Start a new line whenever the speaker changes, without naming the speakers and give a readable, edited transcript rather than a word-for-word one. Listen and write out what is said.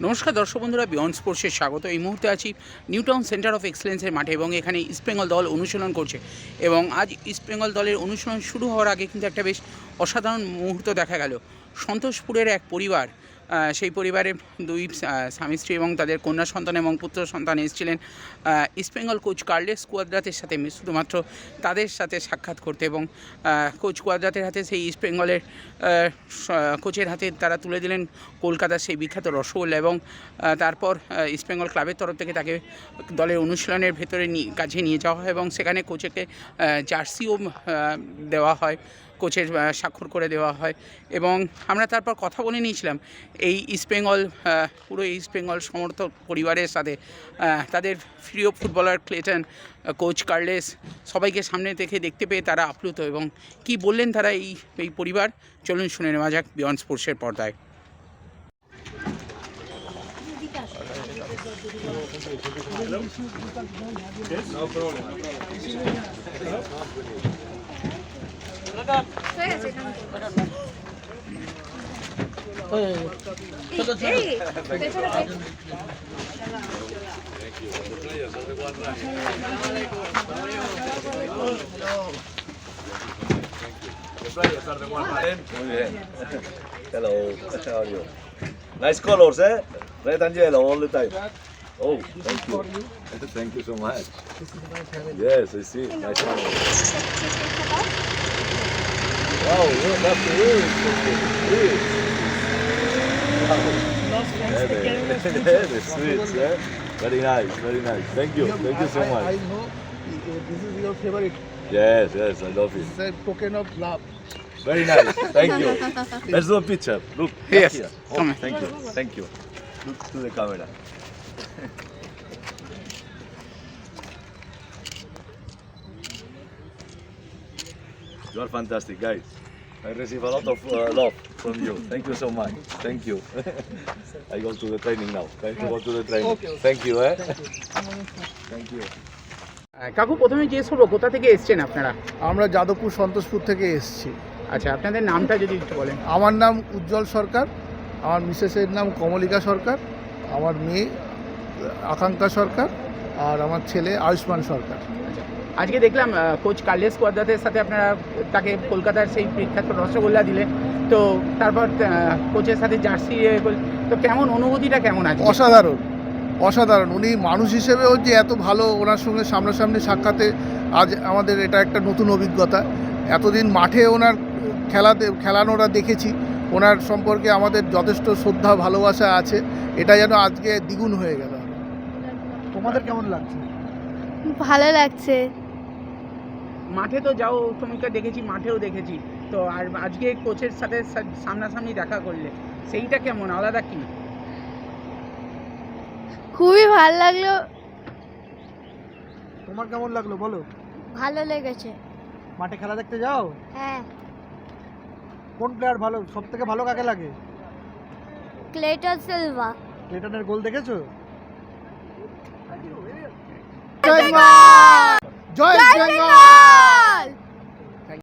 নমস্কার দর্শক বন্ধুরা, বিয়ন্ড স্পোর্টসের স্বাগত। এই মুহূর্তে আছি নিউ টাউন সেন্টার অফ এক্সেলেন্সের মাঠে এবং এখানে ইস্টবেঙ্গল দল অনুশীলন করছে এবং আজ ইস্টবেঙ্গল দলের অনুশীলন শুরু হওয়ার আগে কিন্তু একটা বেশ অসাধারণ মুহূর্ত দেখা গেল। সন্তোষপুরের এক পরিবার, সেই পরিবারের দুই স্বামী স্ত্রী এবং তাদের কন্যা সন্তান এবং পুত্র সন্তান এসেছিলেন ইস্টবেঙ্গল কোচ কার্লেস কুয়াদ্রাতের সাথে শুধুমাত্র তাদের সাথে সাক্ষাৎ করতে এবং কোচ কুয়াদ্রাতের হাতে সেই ইস্টবেঙ্গলের কোচের হাতে তারা তুলে দিলেন কলকাতার সেই বিখ্যাত রসগোল্লা এবং তারপর ইস্টবেঙ্গল ক্লাবের তরফ থেকে তাকে দলের অনুশীলনের ভেতরে কাছে নিয়ে যাওয়া হয় এবং সেখানে কোচকে জার্সিও দেওয়া হয়, কোচের স্বাক্ষর করে দেওয়া হয় এবং আমরা তারপর কথা বলে নিয়েছিলাম এই ইস্টবেঙ্গল পুরো ইস্টবেঙ্গল সমর্থক পরিবারের সাথে, তাদের প্রিয় ফুটবলার ক্লেটন, কোচ কার্লেস, সবাইকে সামনে থেকে দেখতে পেয়ে তারা আপ্লুত এবং কি বললেন তারা এই পরিবার, চলুন শুনে নেওয়া যাক বিয়ন্ড স্পোর্টসের পর্দায়।
Hello, how are you? Nice colors, eh? Red and yellow all the time. Oh, thank you. Thank you so much. Yes, I see. Nice colors. Wow, look up to you. The sweets, eh? Very nice, very nice. Thank you so much.
I know this is your favorite.
Yes, I love it.
It's a token of love.
Very nice. Thank you. Let's do a picture. Look.
Yes.
Here.
Come on.
Thank you. Look to the camera. You are fantastic, guys. I receive a lot of love from you. Thank you so much. Thank you. I go to the training now. Time to go to the training.
Okay.
Thank you, eh? Thank you.
কাকু, প্রথমে জিজ্ঞেস করবো কোথা থেকে এসছেন আপনারা?
আমরা যাদবপুর সন্তোষপুর থেকে এসেছি।
আচ্ছা, আপনাদের নামটা যদি একটু বলেন।
আমার নাম উজ্জ্বল সরকার, আমার মিসেসের নাম কমলিকা সরকার, আমার মেয়ে আকাঙ্ক্ষা সরকার আর আমার ছেলে আয়ুষ্মান সরকার।
আজকে দেখলাম কোচ কার্লেস কুয়াদ্রাতের সাথে আপনারা তাকে কলকাতার সেই বিখ্যাত রসগোল্লা দিলেন, তো তারপর কোচের সাথে জার্সি, তো কেমন অনুভূতিটা কেমন আছে?
অসাধারণ। উনি মানুষ হিসেবেও যে এত ভালো, ওনার সঙ্গে সামনাসামনি সাক্ষাতে আজ আমাদের এটা একটা নতুন অভিজ্ঞতা। এতদিন মাঠে ওনার খেলানোরা দেখেছি, ওনার সম্পর্কে আমাদের যথেষ্ট শ্রদ্ধা ভালোবাসা আছে, এটা যেন আজকে দ্বিগুণ হয়ে গেল। তোমাদের কেমন লাগছে?
ভালো লাগছে।
মাঠে তো যাও, তোমাকে দেখেছি, মাঠেও দেখেছি, তো আর আজকে কোচের সাথে সামনাসামনি দেখা করলে সেইটা কেমন, আলাদা কি?
খুবই ভালো লাগলো।
তোমার কেমন লাগলো বলো?
ভালো লেগেছে।
মাঠে খেলা দেখতে যাও?
হ্যাঁ।
কোন প্লেয়ার ভালো, সব থেকে ভালো কাকে লাগে?
Clayton Silva.
ক্লেটনের গোল দেখেছো?
জয় বেঙ্গল!
জয় বেঙ্গল!